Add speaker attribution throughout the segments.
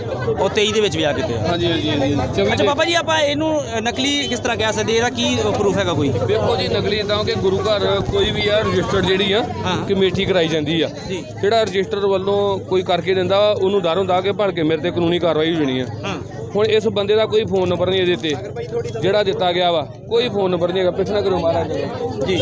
Speaker 1: ਉਹ 23 ਦੇ ਵਿੱਚ ਵਿਆਹ ਕੀਤੇ ਆ।
Speaker 2: ਹਾਂਜੀ ਹਾਂਜੀ ਹਾਂਜੀ।
Speaker 1: ਅੱਛਾ ਬਾਬਾ ਜੀ, ਆਪਾਂ ਇਹਨੂੰ ਨਕਲੀ ਕਿਸ ਤਰ੍ਹਾਂ ਕਹਿ ਸਕਦੇ, ਇਹਦਾ ਕੀ ਪ੍ਰੂਫ ਹੈਗਾ ਕੋਈ?
Speaker 2: ਦੇਖੋ ਜੀ, ਨਕਲੀ ਤਾਂ ਕਿ ਗੁਰੂ ਘਰ ਕੋਈ ਵੀ ਆ ਰਜਿਸਟਰਡ ਜਿਹੜੀ ਆ ਕਮੇਟੀ ਕਰਾਈ ਜਾਂਦੀ ਆ, ਜਿਹੜਾ ਰਜਿਸਟਰ ਵੱਲੋਂ ਕੋਈ ਕਰਕੇ ਦਿੰਦਾ ਉਹਨੂੰ ਡਰ ਹੁੰਦਾ ਕਿ ਭੜ ਕੇ ਮੇਰੇ ਤੇ ਕਾਨੂੰਨੀ ਕਾਰਵਾਈ ਹੋ ਜਾਣੀ ਆ। ਹੁਣ ਇਸ ਬੰਦੇ ਦਾ ਕੋਈ ਫੋਨ ਨੰਬਰ ਨਹੀਂ ਇਹਦੇ ਤੇ ਜਿਹੜਾ ਦਿੱਤਾ ਗਿਆ ਵਾ, ਕੋਈ ਫੋਨ ਨੰਬਰ ਨਹੀਂ ਹੈਗਾ। ਪਿੱਛੇ ਕਰੋ ਮਹਾਰਾਜ ਜੀ,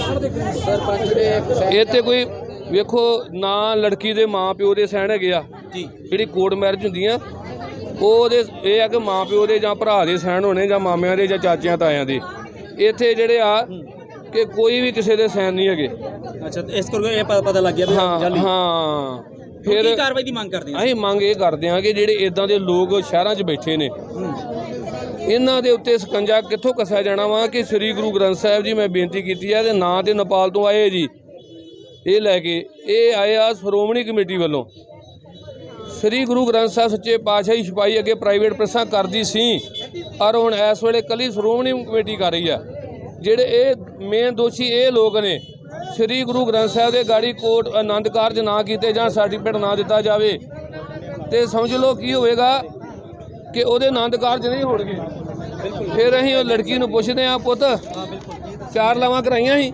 Speaker 2: ਇਹ ਤੇ ਕੋਈ ਵੇਖੋ ਨਾ ਲੜਕੀ ਦੇ ਮਾਂ ਪਿਓ ਦੇ ਸਾਈਨ ਹੈਗੇ ਆ ਜੀ। ਜਿਹੜੀ ਕੋਰਟ ਮੈਰਿਜ ਹੁੰਦੀਆਂ ਉਹਦੇ ਇਹ ਆ ਕਿ ਮਾਂ ਪਿਓ ਦੇ ਜਾਂ ਭਰਾ ਦੇ ਸਾਈਨ ਹੋਣੇ ਜਾਂ ਮਾਮਿਆਂ ਦੇ ਜਾਂ ਚਾਚਿਆਂ ਤਾਇਆਂ ਦੇ। ਇੱਥੇ ਜਿਹੜੇ ਆ ਕਿ ਕੋਈ ਵੀ ਕਿਸੇ ਦੇ ਸਾਈਨ ਨਹੀਂ ਹੈਗੇ।
Speaker 1: ਅੱਛਾ, ਇਸ ਕਰਕੇ ਇਹ ਪਤਾ ਲੱਗ ਗਿਆ।
Speaker 2: ਹਾਂ ਫਿਰ
Speaker 1: ਕੀ ਕਾਰਵਾਈ ਦੀ ਮੰਗ ਕਰਦੇ ਆ?
Speaker 2: ਅਸੀਂ ਮੰਗ ਇਹ ਕਰਦੇ ਹਾਂ ਕਿ ਜਿਹੜੇ ਇਦਾਂ ਦੇ ਲੋਕ ਸ਼ਹਿਰਾਂ 'ਚ ਬੈਠੇ ਨੇ, ਇਹਨਾਂ ਦੇ ਉੱਤੇ ਸਕੰਜਾ ਕਿੱਥੋਂ ਕੱਸਿਆ ਜਾਣਾ ਵਾ ਕਿ ਸ੍ਰੀ ਗੁਰੂ ਗ੍ਰੰਥ ਸਾਹਿਬ ਜੀ ਮੈਂ ਬੇਨਤੀ ਕੀਤੀ ਹੈ ਤੇ ਨਾਂ ਤੇ ਨੇਪਾਲ ਤੋਂ ਆਏ ਜੀ, ਇਹ ਲੈ ਕੇ ਇਹ ਆਏ ਆ ਸ਼੍ਰੋਮਣੀ ਕਮੇਟੀ ਵੱਲੋਂ। ਸ੍ਰੀ ਗੁਰੂ ਗ੍ਰੰਥ ਸਾਹਿਬ ਸੱਚੇ ਪਾਤਸ਼ਾਹ ਦੀ ਛਪਾਈ ਅੱਗੇ ਪ੍ਰਾਈਵੇਟ ਪ੍ਰੈਸਾਂ ਕਰਦੀ ਸੀ, ਪਰ ਹੁਣ ਇਸ ਵੇਲੇ ਕੱਲੀ ਸ਼੍ਰੋਮਣੀ ਕਮੇਟੀ ਕਰ ਰਹੀ ਆ। ਜਿਹੜੇ ਇਹ ਮੇਨ ਦੋਸ਼ੀ ਇਹ ਲੋਕ ਨੇ, ਸ੍ਰੀ ਗੁਰੂ ਗ੍ਰੰਥ ਸਾਹਿਬ ਦੇ ਗਾੜੀ ਕੋਟ ਆਨੰਦ ਕਾਰਜ ਨਾ ਕੀਤੇ ਜਾਂ ਸਰਟੀਫਿਕੇਟ ਨਾ ਦਿੱਤਾ ਜਾਵੇ ਤੇ ਸਮਝ ਲਓ ਕੀ ਹੋਵੇਗਾ ਕਿ ਉਹਦੇ ਆਨੰਦ ਕਾਰਜ ਨਹੀਂ ਹੋਣਗੇ। ਫਿਰ ਅਸੀਂ ਉਹ ਲੜਕੀ ਨੂੰ ਪੁੱਛਦੇ ਹਾਂ, ਪੁੱਤ 4 ਲਾਵਾਂ ਕਰਾਈਆਂ ਸੀ?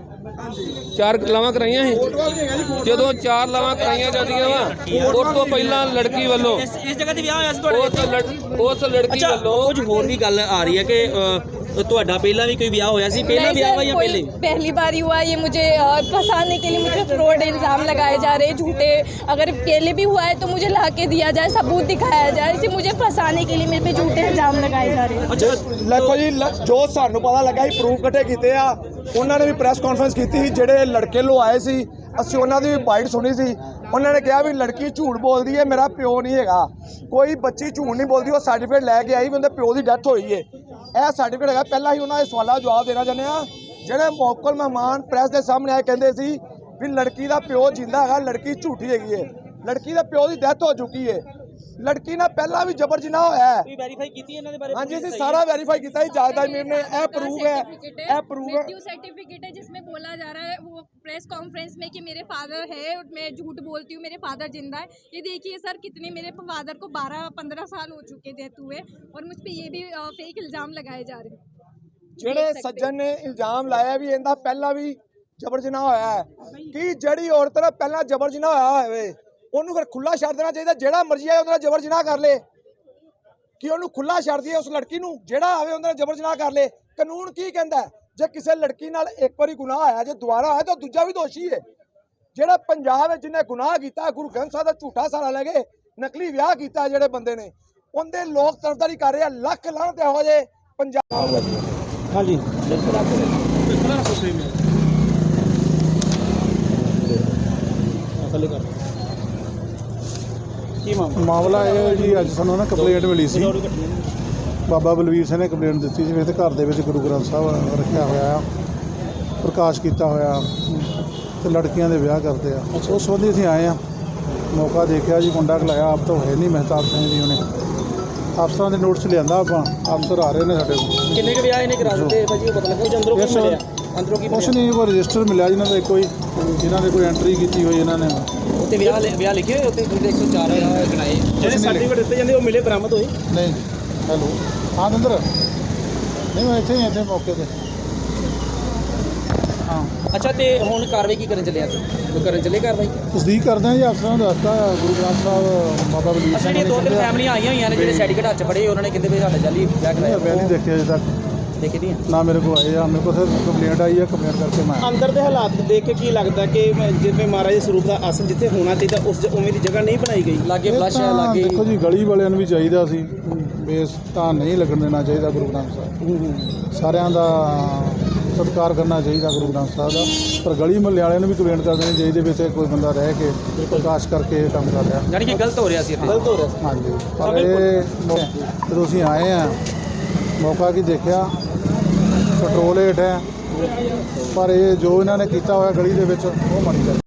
Speaker 2: 4 ਲਾਵਾਂ ਕਰਾਈਆਂ ਸੀ। ਜਦੋਂ 4 ਲਾਵਾਂ ਕਰਾਈਆਂ ਜਾਂਦੀਆਂ ਵਾ, ਉਸ ਤੋਂ ਪਹਿਲਾਂ ਲੜਕੀ ਵੱਲੋਂ
Speaker 1: ਇਸ ਜਗ੍ਹਾ ਤੇ ਵਿਆਹ ਹੋਇਆ ਸੀ ਤੁਹਾਡੇ?
Speaker 2: ਉਸ ਲੜਕੀ ਵੱਲੋਂ
Speaker 1: ਕੁਝ ਹੋਰ ਵੀ ਗੱਲ ਆ ਰਹੀ ਹੈ ਕਿ ਤੁਹਾਡਾ ਪਹਿਲਾਂ भी कोई ब्याह होया सी? पहला ब्याह हुआ या पहले?
Speaker 3: पहली बार ही हुआ। ये मुझे फंसाने के लिए मुझे फ्रॉड इल्ज़ाम लगाए जा रहे हैं झूठे। अगर पहले भी हुआ है तो मुझे ला के दिया जाए, सबूत दिखाया जाए। इसे मुझे फंसाने के लिए मेरे पे झूठे इल्ज़ाम लगाए जा रहे हैं।
Speaker 4: देखो जी, जो सानू पता लगा ही प्रूफ इकट्ठे कीते आ, उन्होंने भी प्रेस कॉन्फ्रेंस की थी। ਜਿਹੜੇ ਲੜਕੇ ਲੋ ਆਏ ਸੀ, ਅਸੀਂ ਉਹਨਾਂ ਦੀ ਵੀ ਬਾਈਟ ਸੁਣੀ ਸੀ। ਉਹਨਾਂ ਨੇ ਕਿਹਾ ਵੀ ਲੜਕੀ ਝੂਠ ਬੋਲਦੀ ਹੈ, ਮੇਰਾ ਪਿਓ ਨਹੀਂ ਹੈਗਾ। ਕੋਈ ਬੱਚੀ ਝੂਠ ਨਹੀਂ ਬੋਲਦੀ। ਉਹ ਸਰਟੀਫਿਕੇਟ ਲੈ ਕੇ ਆਈ ਵੀ ਉਹਦੇ ਪਿਓ ਦੀ ਡੈਥ ਹੋਈ ਹੈ। ਇਹ ਸਰਟੀਫਿਕੇਟ ਹੈਗਾ। ਪਹਿਲਾਂ ਹੀ ਉਹਨਾਂ ਦੇ ਸਵਾਲਾਂ ਦਾ ਜਵਾਬ ਦੇਣਾ ਚਾਹੁੰਦੇ ਆ। ਜਿਹੜੇ ਮੌਕਲ ਮਹਿਮਾਨ ਪ੍ਰੈਸ ਦੇ ਸਾਹਮਣੇ ਆਏ ਕਹਿੰਦੇ ਸੀ ਵੀ ਲੜਕੀ ਦਾ ਪਿਓ ਜਿੰਦਾ ਹੈਗਾ, ਲੜਕੀ ਝੂਠੀ ਹੈਗੀ ਹੈ। ਲੜਕੀ ਦੇ ਪਿਓ ਦੀ ਡੈਥ ਹੋ ਚੁੱਕੀ ਹੈ। लड़की ने पहला भी जबर जनाह होया है।
Speaker 1: वेरीफाई कीती है इन्हां दे बारे?
Speaker 4: हां जी, ਅਸੀਂ ਸਾਰਾ ਵੈਰੀਫਾਈ ਕੀਤਾ ਹੈ। ਜਾਇਦਾਦ मीर ने ਇਹ प्रूफ है, ਇਹ प्रूफ है।
Speaker 3: मृत्यु सर्टिफिकेट है जिसमें बोला जा रहा है वो प्रेस कॉन्फ्रेंस में कि मेरे फादर है, मैं झूठ बोलती हूँ, मेरे फादर जिंदा है। ये देखिए सर, कितने मेरे फादर को 12-15 साल हो चुके डेथ हुए और मुझ पर ये भी फेक इल्ज़ाम लगाए जा रहे हैं।
Speaker 4: ਜਿਹੜੇ ਸੱਜਣ ਨੇ ਇਲਜ਼ਾਮ ਲਾਇਆ ਵੀ ਇਹਦਾ ਪਹਿਲਾਂ ਵੀ ਜਬਰ ਜਨਾਹ ਹੋਇਆ ਹੈ ਕਿ ਜਿਹੜੀ ਔਰਤ ਨਾਲ ਪਹਿਲਾਂ ਜਬਰ ਜਨਾਹ ਹੋਇਆ ਹੋਵੇ ਉਹਨੂੰ ਫਿਰ ਖੁੱਲਾ ਛੱਡ ਦੇਣਾ ਚਾਹੀਦਾ। ਜਿਹੜਾ ਮਰਜ਼ੀ ਆਏ ਉਹਦੇ ਨਾਲ ਜਬਰ ਜਨਾਹ ਕਰ ਲੇ, ਕਿ ਉਹਨੂੰ ਖੁੱਲਾ ਛੱਡ ਦਈਏ ਉਸ ਲੜਕੀ ਨੂੰ। ਜਿਹੜਾ ਆਵੇ ਉਹਦੇ ਨਾਲ ਜਬਰ ਜਨਾਹ ਕਰ ਲੇ। ਕਾਨੂੰਨ ਕੀ ਕਹਿੰਦਾ? ਜੇ ਕਿਸੇ ਲੜਕੀ ਨਾਲ ਇੱਕ ਵਾਰੀ ਗੁਨਾਹ ਹੋਇਆ, ਜੇ ਦੁਬਾਰਾ ਹੋਇਆ ਤਾਂ ਦੂਜਾ ਵੀ ਦੋਸ਼ੀ ਹੈ। ਜਿਹੜਾ ਪੰਜਾਬ ਵਿੱਚ ਜਿਹਨੇ ਗੁਨਾਹ ਕੀਤਾ, ਗੁਰੂ ਗ੍ਰੰਥ ਸਾਹਿਬ ਦਾ ਝੂਠਾ ਸਹਾਰਾ ਲੈ ਕੇ ਨਕਲੀ ਵਿਆਹ ਕੀਤਾ ਜਿਹੜੇ ਬੰਦੇ ਨੇ, ਉਹਦੇ ਲੋਕ ਤਰਫਦਾਰੀ ਕਰ ਰਹੇ ਆ। ਲੱਖ ਲਾਹਨਤ ਇਹੋ ਜਿਹੇ ਪੰਜਾਬ।
Speaker 1: हाँ जी,
Speaker 5: मामला ये जी, अज सानू ना कंप्लेंट मिली सी। बाबा बलवीर सिंह ने कंप्लेंट दी थी जिवें घर दे विच गुरु ग्रंथ साहब रखिया होया, प्रकाश किया होया ते लड़कियां दे विआह करते हैं। उस संबंधी असीं आए हैं, मौका देखा जी, मुंडा खलाया। आप तो है नहीं महताब सिंह जी, उन्हें अफसर के नोटिस लिया। आप अफसर आ रहे हैं साढ़े को।
Speaker 1: किन्ने के ब्याह इन्हें करा दिते भाजी? पता लगा कुछ अंदरों की मिलिया? अंदरों की
Speaker 5: कुछ नहीं, वो रजिस्टर मिला जिन्हों का कोई, जिन्होंने कोई एंट्री की हुई इन्होंने
Speaker 1: उत्ते ब्याह लिखे हुए उत्ते 104 गणाए ਜਿਹੜੇ ਸਰਟੀਫਿਕੇਟ ਦਿੱਤੇ ਜਾਂਦੇ ਉਹ ਮਿਲੇ, ਬਰਾਮਦ ਹੋਏ?
Speaker 5: नहीं। हेलो, हाँ अंदर नहीं, मैं इतने ही इतने मौके पर। हाँ,
Speaker 1: अच्छा, तो हुण कार्रवाई की करन चले? कोई करन चले कार्रवाई?
Speaker 5: तस्दीक करते हैं जी। अफसर ने दसता गुरु ग्रंथ साहब बाबा बलवीर
Speaker 1: अच्छा,
Speaker 5: सिंह
Speaker 1: दो तीन फैमिलियां आई हुई ने ਜਿਹੜੇ ਸਰਟੀਫਿਕੇਟ ਹੱਥ ਫੜੇ, ਉਹਨਾਂ ਨੇ ਕਹਿੰਦੇ ਵੀ ਸਾਡਾ ਜਾਲੀ ਵਿਆਹ ਕਰਾਇਆ।
Speaker 5: मैं नहीं देखे अजे तक,
Speaker 1: ਦੇਖੇ ਨਹੀਂ
Speaker 5: ना मेरे को आए। मेरे को सिर्फ कंप्लेंट आई है, कंप्लेंट करके मैं
Speaker 6: ਅੰਦਰ ਦੇ ਹਾਲਾਤ ਦੇਖ ਕੇ ਕੀ ਲੱਗਦਾ ਕਿ ਜਿਵੇਂ ਮਹਾਰਾਜ ਸਰੂਪ ਦਾ ਆਸਣ ਜਿੱਥੇ ਹੋਣਾ ਚਾਹੀਦਾ ਉਸ ਉਵੇਂ ਦੀ ਜਗ੍ਹਾ ਨਹੀਂ ਬਣਾਈ ਗਈ?
Speaker 1: ਲਾਗੇ ਫਲਸ਼ ਹੈ, ਲਾਗੇ
Speaker 5: देखो जी, गली वालिਆਂ ਨੂੰ ਵੀ ਚਾਹੀਦਾ ਸੀ ਬੇਸ ਤਾਂ ਨਹੀਂ ਲੱਗਣ ਦੇਣਾ ਚਾਹੀਦਾ ਗੁਰੂ ਗ੍ਰੰਥ ਸਾਹਿਬ। ਸਾਰਿਆਂ ਦਾ ਸਤਿਕਾਰ ਕਰਨਾ ਚਾਹੀਦਾ ਗੁਰੂ ਗ੍ਰੰਥ ਸਾਹਿਬ ਦਾ, ਪਰ ਗਲੀ ਮੁਹੱਲੇ ਵਾਲਿਆਂ ਨੂੰ ਵੀ ਕੰਪਲੇਂਟ ਕਰ ਦੇਣੀ ਚਾਹੀਦੀ ਵੀ ਇੱਥੇ ਕੋਈ ਬੰਦਾ ਰਹਿ ਕੇ ਪ੍ਰਕਾਸ਼ ਕਰਕੇ ਇਹ ਕੰਮ ਕਰ ਰਿਹਾ।
Speaker 1: ਯਾਨੀ ਕਿ ਗਲਤ ਹੋ ਰਿਹਾ ਸੀ ਇੱਥੇ?
Speaker 6: ਗਲਤ ਹੋ ਰਿਹਾ ਸੀ।
Speaker 5: ਹਾਂਜੀ, ਪਰ ਇਹ ਜਦੋਂ ਅਸੀਂ ਆਏ ਹਾਂ ਮੌਕਾ ਕੀ ਦੇਖਿਆ, ਪੈਟਰੋਲ ਹੇਠ ਹੈ, ਪਰ ਇਹ ਜੋ ਇਹਨਾਂ ਨੇ ਕੀਤਾ ਹੋਇਆ ਗਲੀ ਦੇ ਵਿੱਚ ਉਹ ਮਾੜੀ ਗੱਲ।